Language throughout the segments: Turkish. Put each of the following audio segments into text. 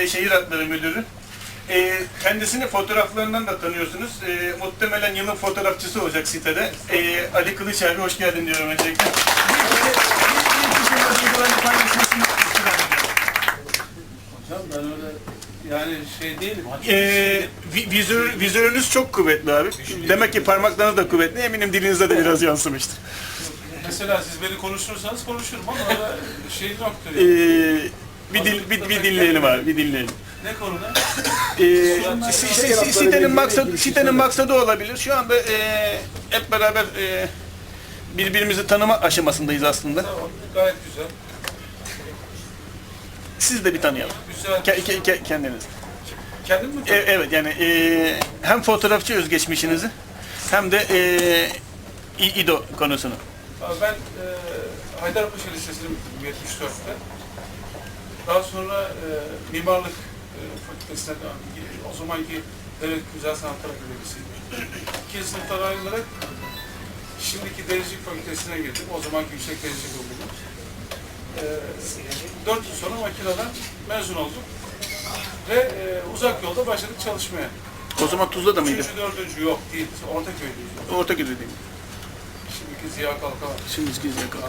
Şehir Hatları Müdürü. Kendisini fotoğraflarından da tanıyorsunuz. Muhtemelen yılın fotoğrafçısı olacak sitede. Ali Kılıç abi, hoş geldin diyorum öncelikle. Hocam ben öyle yani şey değilim. Vizörünüz çok kuvvetli abi. Demek ki parmaklarınız da kuvvetli. Eminim dilinizde de biraz yansımıştır. Mesela siz beni konuşursanız konuşurum ama öyle şey yoktur. Yani. Bir dinleyelim abi, bir dinleyelim. Ne konuda? Sitenin maksadı olabilir. Şu anda hep beraber birbirimizi tanıma aşamasındayız aslında. Tamam, gayet güzel. Siz de bir tanıyalım. Güzel. Kendiniz. Kendin mi? Evet, yani hem fotoğrafçı özgeçmişinizi hem de İDO konusunu. Abi ben Haydarpaşa Lisesi'ni bitirdim 74'te. Daha sonra mimarlık fakültesine o zamanki Devlet Güzel Sanatlar Akademisi'ydi. İkinci sınıftan ayrılarak şimdiki Denizcilik Fakültesine girdim. O zamanki Yüksek Denizcilik Okulu. 4 yıl sonra makineden mezun oldum. Ve uzak yolda başladık çalışmaya. O zaman Tuzla'da mıydı? 3. 4. yok değil. Ortaköy'deyiz. Ortaköy'de değil mi? Şimdiki Ziya Kalkan. Şimdiki Ziya Kalkan.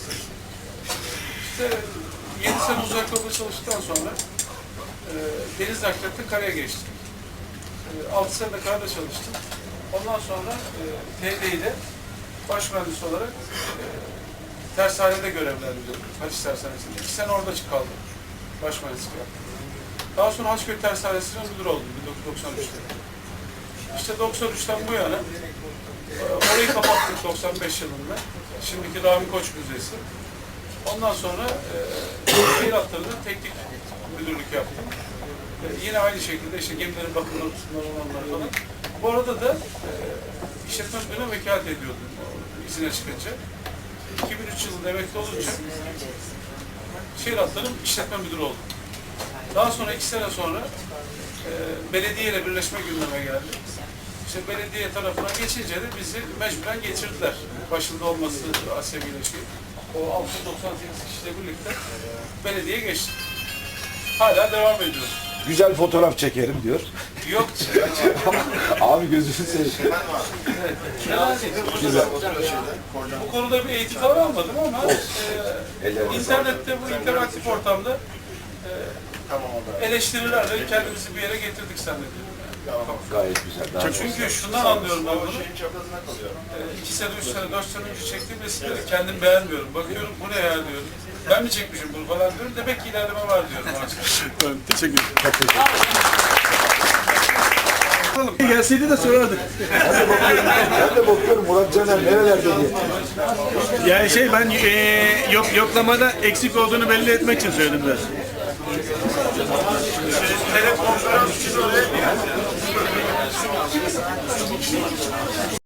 İşte 7 sene uzak yolda çalıştıktan sonra deniz nakliyatta karaya geçtim. 6 sene de karada çalıştım. Ondan sonra TDİ'de baş mühendis olarak tersanede görevlendirdim. Haç Tersanesi'nde. 2 sene orada kaldım. Baş mühendislik yaptım. Daha sonra Haçköy Tersanesi'nin müdür oldum 1993'te. İşte 93'ten bu yana orayı kapattık 95 yılında. Şimdiki Rami Koç Müzesi. Ondan sonra şehir hatlarında teknik müdürlük yaptım. Yine aynı şekilde işte gemilerin bakımları, olanlar falan. Bu arada da işletme müdürüne vekalet ediyordum izine çıkınca. 2003 yılında emekli olunca şehir hatlarının işletme müdürü oldum. Daha sonra 2 sene sonra belediye ile birleşme gündeme geldi. İşte belediye tarafına geçince de bizi mecburen getirdiler. Başında olması Asya Birleşik. O 698 kişiyle birlikte belediye geçti. Hala devam ediyoruz. Güzel fotoğraf çekerim diyor. Yok. Abi gözünü seveyim. Güzel. Bu konuda bir eğitim falan almadım ama internette bu interaktif ortamda eleştirilerle kendimizi bir yere getirdik zannediyorum. Gayet güzel. Çünkü şundan anlıyorum ben bunu. 2 sene, 3 sene, 4 sene önce çektiğim resimleri kendim beğenmiyorum. Bakıyorum bu ne ya diyorum. Ben mi çekmişim bunu falan diyorum. Demek ki ilerleme var diyorum artık. Teşekkür ederim. Gelseydi de sorardık. Ben de bakıyorum Murat Caner nerelerde diye. Yani ben yoklamada eksik olduğunu belli etmek için söyledim biraz. Telekonferans için öyle